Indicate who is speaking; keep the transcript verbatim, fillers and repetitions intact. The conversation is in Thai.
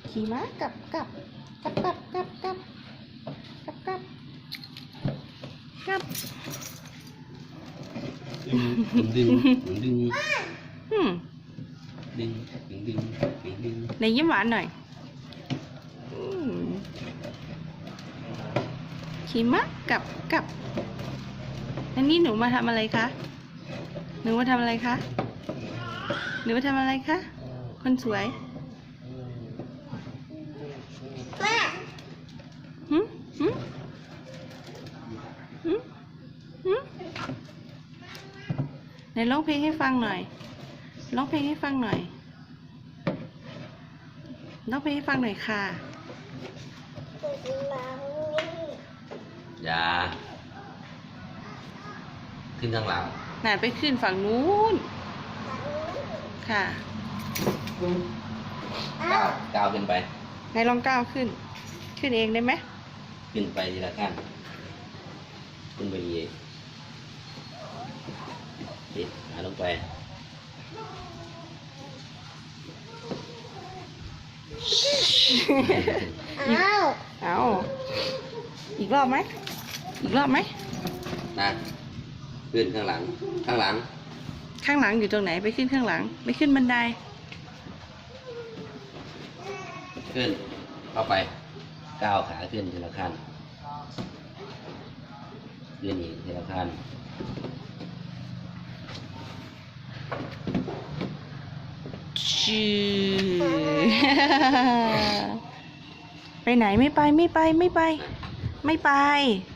Speaker 1: ขี่ม้ากับกับกับกับกับกับกับกับกับ
Speaker 2: ดึงดึงดึง
Speaker 1: อืม
Speaker 2: ดึงดึงดึงดึงดึง
Speaker 1: ในยิ้มหวานหน่อยอืมขี่ม้ากับกับอันนี้หนูมาทำอะไรคะหนูมาทำอะไรคะหนูมาทำอะไรคะคนสวยหืมหืมหืมหืมไหนร้องเพลงให้ฟังหน่อยร้องเพลงให้ฟังหน่อยร้องเพลงให้ฟังหน่อยค่ะ
Speaker 2: อย่าขึ้นข้างหลัง
Speaker 1: น่าไปขึ้นฝั่งนู้นค่ะ
Speaker 2: ก้าวก้าวขึ้นไป
Speaker 1: ไหนลองก้าวขึ้น ขึ้นเองได้ไหม
Speaker 2: ขึ้นไปทีละขั้นขึ้นไปเองติดหาลงไป
Speaker 1: อ้าวเอาอีกรอบไหมอีกรอบไหม
Speaker 2: นะขึ้นข้างหลังข้างหลัง
Speaker 1: ข้างหลังอยู่ตรงไหนไปขึ้นข้างหลังไปขึ้นบันได
Speaker 2: ขึ้นเข้าไปก้าวขาขึ้นทีละขั้นขึ้นอีกทีละขั้น
Speaker 1: ชื่อ ไปไหนไม่ไปไม่ไปไม่ไป ไม่ไป